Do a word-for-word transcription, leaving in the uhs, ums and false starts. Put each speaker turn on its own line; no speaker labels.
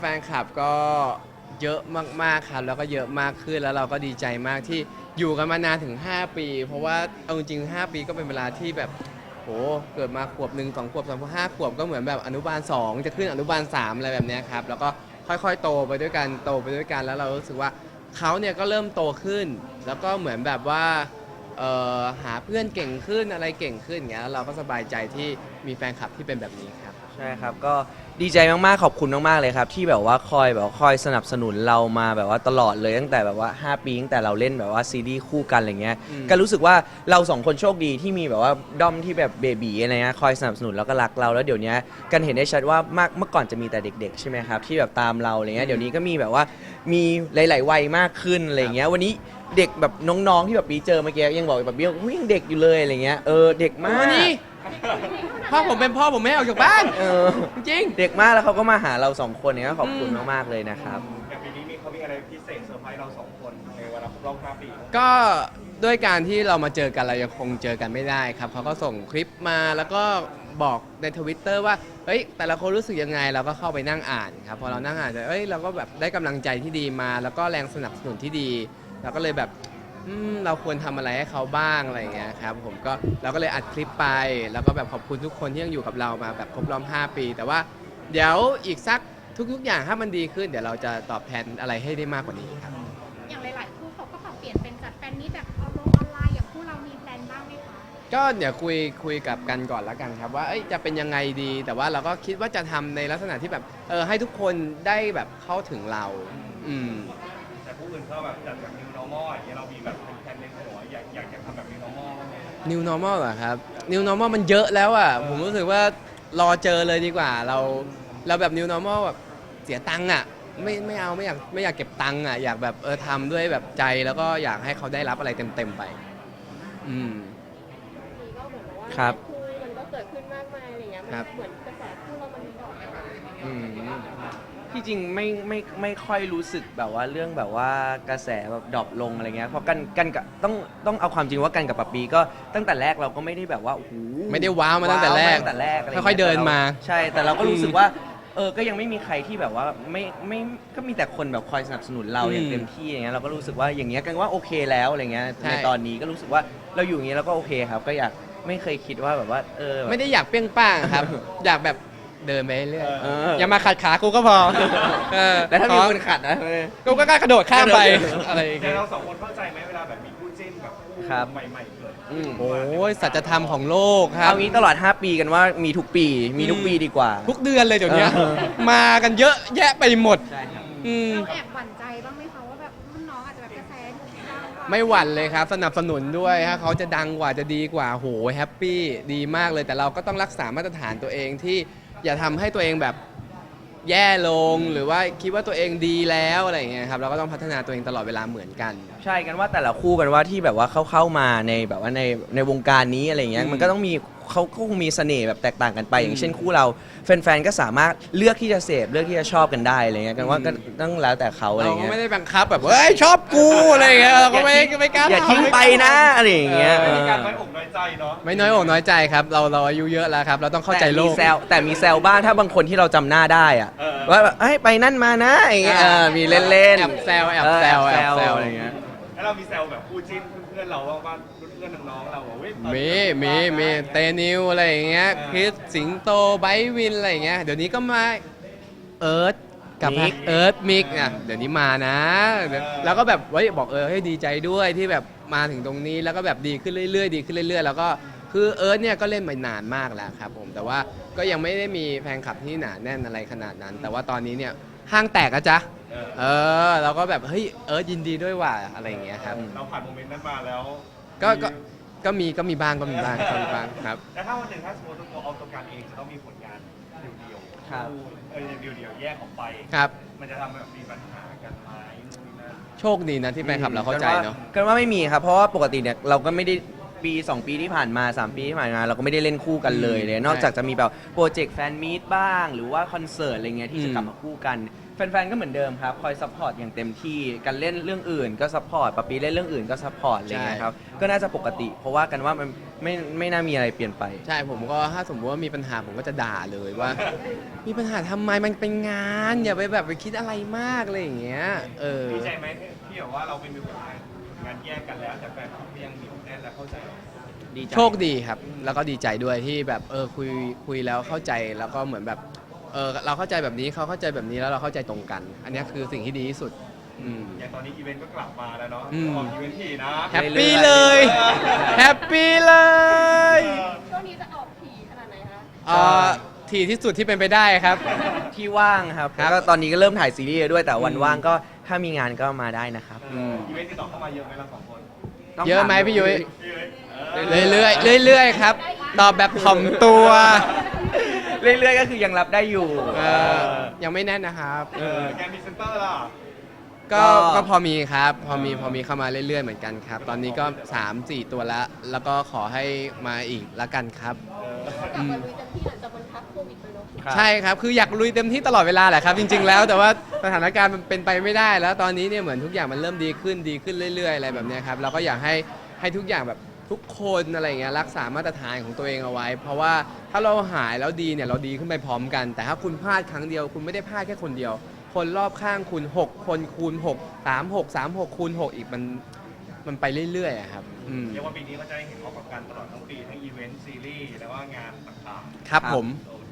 แฟนคลับก็เยอะมากๆครับแล้วก็เยอะมากขึ้นแล้วเราก็ดีใจมากที่อยู่กันมานานถึงห้าปีเพราะว่าเอาจริงๆห้าปีก็เป็นเวลาที่แบบโหเกิดมาขวบหนึ่งสองขวบสามขวบห้าขวบก็เหมือนแบบอนุบาลสองจะขึ้นอนุบาลสามอะไรแบบเนี้ยครับแล้วก็ค่อยๆโตไปด้วยกันโตไปด้วยกันแล้วเรารู้สึกว่าเขาเนี่ยก็เริ่มโตขึ้น แล้วก็เหมือนแบบว่าเอ่อหาเพื่อนเก่งขึ้นอะไรเก่งขึ้นอย่างเงี้ยแล้วเราก็สบายใจที่มีแฟนคลับที่เป็นแบบนี้ครับ
ใช่ครับก็ดีใจมากๆขอบคุณมากๆเลยครับที่แบบว่าคอยแบบว่าคอยสนับสนุนเรามาแบบว่าตลอดเลยตั้งแต่แบบว่าห้าปีตั้งแต่เราเล่นแบบว่าซีรีส์คู่กันอะไรเงี้ย
อืม
ก็รู้สึกว่าเราสองคนโชคดีที่มีแบบว่าด้อมที่แบบเบบีอะไรเงี้ยคอยสนับสนุนแล้วก็รักเราแล้วเดี๋ยวนี้กันเห็นได้ชัดว่ามากเมื่อก่อนจะมีแต่เด็กๆใช่ไหมครับที่แบบตามเราอะไรเงี้ยเดี๋ยวนี้ก็มีแบบว่ามีหลายๆวัยมากขึ้นอะไรเงี้ยวันนี้เด็กแบบน้องๆที่แบบปีเจอเมื่อกี้ยังบอกแบบเบี้ยอุ๊ยยังเด็กอยู่เลยอะไรเงี้ยเออเด็กมาก
วันนี้พ่อผมเป็นพ่อผมไม่ให้ออกจากบ้าน
เออ
จริง
เด็กมากแล้วเขาก็มาหาเราสองคนเนี่ยก็ขอบคุณมากๆเลยนะครับ
อย่างปีนี้มีเขามีอะไรพิเศษเซอร์ไพรส์เราสองคนในวันครบรอบห้าปี
ก็ด้วยการที่เรามาเจอกันเรายังคงเจอกันไม่ได้ครับเขาก็ส่งคลิปมาแล้วก็บอกในทวิตเตอร์ว่าเฮ้ยแต่ละคนรู้สึกยังไงเราก็เข้าไปนั่งอ่านครับพอเรานั่งอ่านเอ้ยเราก็แบบได้กำลังใจที่ดีมา แล้วก็แรงสนับสนุนที่ดีเราก็เลยแบบอืมเราควรทำอะไรให้เขาบ้างอะไรอย่างเงี้ยครับผมก็เราก็เลยอัดคลิปไป แล้วก็แบบขอบคุณทุกคนที่ยังอยู่กับเรามาแบบครบรอบห้าปี แต่ว่าเดี๋ยวอีกสักทุกๆอย่างถ้ามันดีขึ้นเดี๋ยวเราจะตอบแทนอะไรให้ได้มากกว่านี้ครับ
อย่างหลาย ๆ คู่เขาก็ปรับเปลี่ยนเป็นจัดแฟนนี้แบบออนออนไลน์อย่างคู่เรามีแพลนบ้างไหมคะ
ก็เดี๋ยวคุยคุยกับกันก่อนแล้วกันครับว่าเอ้ยจะเป็นยังไงดี แต่ว่าเราก็คิดว่าจะทำในลักษณะที่แบบเออให้ทุกคนได้แบบเข้าถึงเรา อืม
แต่ผู้อื่นก็แบบจัดแบบ new normal อย่างเงี้ยเรามีแบบเป็นแผนในหัวอยากอยากจะทำแบบ new normal บ้างไหม
new normal เหรอครับ new normal มันเยอะแล้วอ่ะ ผมรู้สึกว่ารอเจอเลยดีกว่า เราเราแบบ new normal แบบเสียตังค์อ่ะไม่ไม่เอาไม่อยากไม่อยากเก็บตังค์อ่ะอยากแบบเออทำด้วยแบบใจแล้วก็อยากให้เขาได้รับอะไรเต็มๆไป อืม
ทีก็เหมือนกับว่า
ครับ
คู่มันก็เกิดขึ้นมากมายอะไรเงี้ย มัน
ครับ
เหมือนกระแสคู่เรามันดรอปไป
อืม
ที่จริงไม่ไม่ไม่ค่อยรู้สึกแบบว่าเรื่องแบบว่ากระแสแบบดรอปลงอะไรเงี้ยเพราะกันกันกับต้องต้องเอาความจริงว่ากันกับปะปีก็ตั้งแต่แรกเราก็ไม่ได้แบบว่าโอ้โห
ไม่ได้ว้าวมาตั้งแต่แรก
ว้าวมาตั้งแต่แรกะไรงี้
ค่อยๆเดินมา
ใช่แต่เราก็รู้สึกว่าเออก็ยังไม่มีใครที่แบบว่าไม่ไม่ก็มีแต่คนแบบคอยสนับสนุนเราอย่างเต็มที่อย่างเงี้ยเราก็รู้สึกว่าอย่างเงี้ยกันว่าโอเคแล้วอะไรเงี้ย
ใช่
ในตอนนี้ก็รู้สึกว่าเราอยู่อย่างเงี้ยเราก็โอเคครับ ก็อยากไม่เคยคิดว่าแบบว่าเออแบบ
ไม่ได้อยากเปรี้ยงป้างครับ อยากแบบเดินไปเรื่อย
เออ
อย่ามาขัดขากูก็พอเออ
แต่ถ้ามีคนขัดนะ
กูก็กล้ากระโดดข้ามไป
กระโดด
อะไรอย่าง
แต่
เงี้ย
เราสองคนเข้าใจไหมเวลาแบบมีคู่จิ้นแบบคู่
ครับ
ใหม่ๆเกิด
อืม
โอ้ยสัจธรรมของโลกครับ
เอางี้ตลอด ห้า ปีกันว่ามีทุกปี มีทุกปีดีกว่า
ทุกเดือนเลยเดี๋ยวนี้
เออ
มากันเยอะแยะไปหมด
ใช่ครับ
อืม
เราแอบหวั่นใจบ้างไหมคะว่าแบบรุ่นน้องอาจจะแบบกระแสดังกว่า
ไม่หวั่นเลยครับ สนับสนุนด้วยถ้าเขาจะดังกว่าจะดีกว่าโหแฮปปี้ดีมากเลยแต่เราก็ต้องรักษามาตรฐานตัวเองที่อย่าทำให้ตัวเองแบบแย่ลงหรือว่าคิดว่าตัวเองดีแล้วอะไรอย่างเงี้ยครับเราก็ต้องพัฒนาตัวเองตลอดเวลาเหมือนกัน
ใช่กันว่าแต่ละคู่กันว่าที่แบบว่าเข้าเข้ามาในแบบว่าในในวงการนี้อะไรเงี้ย
อืม
มันก็ต้องมีเขาก็คงมีเสน่ห์แบบแตกต่างกันไป
อืม
อย่างเช่นคู่เราแฟนๆก็สามารถเลือกที่จะเสพเลือกที่จะชอบกันได้อะไรเงี้ยกันว่า
อืม
ก็ต้องแล้วแต่เขาอะไร
เราก็
เงี้ย
ไม่ได้บังคับแบบเฮ้ยชอบกูอะไรอย่างเงี้ยเราก็ไม่ไม่กล้า
อย่า
ทำ
ทิ้งไปนะอะไรอย่างเงี้ย
เอ
ไม่
อ
มีการไว้อกน้อยใจเนาะ
ไม่น้อยอกน้อยใจครับ เราเราอายุเยอะแล้วครับ เราต้องเข้าใจโล
แต่มี
ก
แซวแต่มีแซวบ้างถ้าบางคนที่เราจำหน้าได้อะ
เออ
ว่าแบบเอ้ยไปนั่นมานะอย่างเงี้ยเออมีเล่นๆ
แอบแซวแอบแซว
เ
แอบแซวอะไรอย่างเงี้ย
แล้วเรามีแซวแบบคู่จิ้นเพื่อนๆเราว่าว่าเพื่อนๆน้องๆเราบอกเว้ยตอน
มี
นี้
มีมีเตนิวอะไรอย่างเงี้ย
เออ
คริสสิงโตไบร์ทวินอะไรอย่างเงี้ยเดี๋ยวนี้ก็มาเอิร์ธกับ
มิก
เอิร์ธมิกอ่ะเดี๋ยวนี้มานะเดี๋ยวแล้วก็แบบเว้ยบอกเออให้ดีใจด้วยที่แบบมาถึงตรงนี้แล้วก็แบบดีขึ้นเรื่อยๆดีขึ้นเรื่อยๆ แล้วก็คือเอิร์ธเนี่ยก็เล่นมานานมากแล้วครับผมแต่ว่าก็ยังไม่ได้มีแฟนคลับที่หนาแน่นอะไรขนาดนั้น แต่ว่าตอนนี้เนี่ยห้างแตกอะจ๊ะ
เออ
เออเราก็แบบเฮ้ยเอิร์ธยินดีด้วยว่ะอะไรอย่างเงี้ยครับ
เราผ่านโมเมนต์นั้นมาแล้ว
ก็ก็ก็มีก็มีบ้างก็มีบ้างก็มีบ้างครับ
แล้วถ้าวันหนึ่งถ้าสมมติตัวเอาตัวการเองจะต้องมีผลงานเดียวๆ
ครับ
เออเดียวๆแยกออกไป
ครับ
มันจะทำแบบมีปัญหากันไหมนู่นนี่นั่น
โชคดีนะที่แฟนคลับเราเข้าใจเนาะ
กันว่าไม่มีครับ เพราะว่าปกติเนี่ยเราก็ไม่ได้ปี สอง ปีที่ผ่านมา สาม ปีที่ผ่านมาเราก็ไม่ได้เล่นคู่กันเลยเลยนอกจากจะมีแบบโปรเจกต์แฟนมีตบ้างหรือว่าคอนเสิร์ตอะไรเงี้ยที่จะกลับมาคู่กันแฟนๆก็เหมือนเดิมครับคอยซัพพอร์ตอย่างเต็มที่กันเล่นเรื่องอื่นก็ซัพพอร์ตปะปีเล่นเรื่องอื่นก็ซัพพอร์ตอะไรเงี้ยครับก็น่าจะปกติ เพราะว่ากันว่ามันไม่ไม่น่ามีอะไรเปลี่ยนไป
ใช่ผมก็ถ้าสมมติว่ามีปัญหาผมก็จะด่าเลยว่า มีปัญหาทำไมมันเป็นงานอย่าไปแบบไปคิดอะไรมากอะไรอย่างเงี้ยเออ
ดีใจไหมที่แบบว่าเราเป็นมีผลงานผลงานแยกกันแล้วแต่แฟนคลับก็ยังเหนียวแน่นและเข้าใจเรา
ดีใจ
โชคดีครับ แล้วก็ดีใจด้วยที่แบบเออคุยคุยแล้วเข้าใจแล้วก็เหมือนแบบเออเราเข้าใจแบบนี้เขาเข้าใจแบบนี้แล้วเราเข้าใจตรงกัน อันนี้คือสิ่งที่ดีที่สุดอืม
อย่างตอนนี้อีเวนต์ก็กลับมาแล้วเนาะ
อืม
ออกอีเวนต์ทีนะ
แฮปปี้เลยแฮปปี้เลย
ช่วงนี้จะออกถี่ขนาดไหนคะ
เอ่อทีที่สุดที่เป็นไปได้ครับ
ที่ว่างครับ
ครับ
แล้วก็ตอนนี้ก็เริ่มถ่ายซีรีส์ด้วยแต่วัน
อืม
ว่างก็ถ้ามีงานก็มาได้นะครับ
เอออีเวนต์ติดต่อเข้ามาเยอะไหมเราสองคน
ต้ง
เยอะไหม
ถา
พี่ยุ้ย
พี่เอ้ย
เรื่อยๆเรื่อยๆครับตอบแบบถ่อมตัว
เรื่อยๆก็คือยังรับได้อยู่
เออยังไม่แน่นนะครับ
เออแกมีเซนเตอร์ล่ะ
ก็
ก็
ก็พอมีครับ พอมีพอมีเข้ามาเรื่อยๆเหมือนกันครับ ตอนนี้ก็ สามสี่ ตัวละแล้วก็ขอให้มาอีกละกันครับ
กลับมาลุยเต็มที่หลังจากมันพักโควิดไปเนาะ
ครับ
ใช่ครับ คืออยากลุยเต็มที่ตลอดเวลาแหละครับ จริง ๆ แล้ว แต่ว่าสถานการณ์มันเป็นไปไม่ได้ แล้วตอนนี้เนี่ยเหมือนทุกอย่างมันเริ่มดีขึ้นดีขึ้นเรื่อยๆอะไรแบบเนี้ยครับ เราก็อยากให้ให้ทุกอย่างแบบทุกคนอะไรอย่างเงี้ยรักษามาตรฐานของตัวเองเอาไว้ เพราะว่าถ้าเราหายแล้วดีเนี่ยเราดีขึ้นไปพร้อมกัน แต่ถ้าคุณพลาดครั้งเดียวคุณไม่ได้พลาดแค่คนเดียว คนรอบข้างคุณหกคนคูณหก สาม หก สาม หกคูณหกอีกมันมันไปเรื่อยๆอะครับอืม
เรียกว่าปีนี้ก็จะได้เห็นออกกับการตลอดทั้งปีทั้งอีเวนต์ซีรีส์แล้วว่างานต่าง
ครับผม
ๆโอเค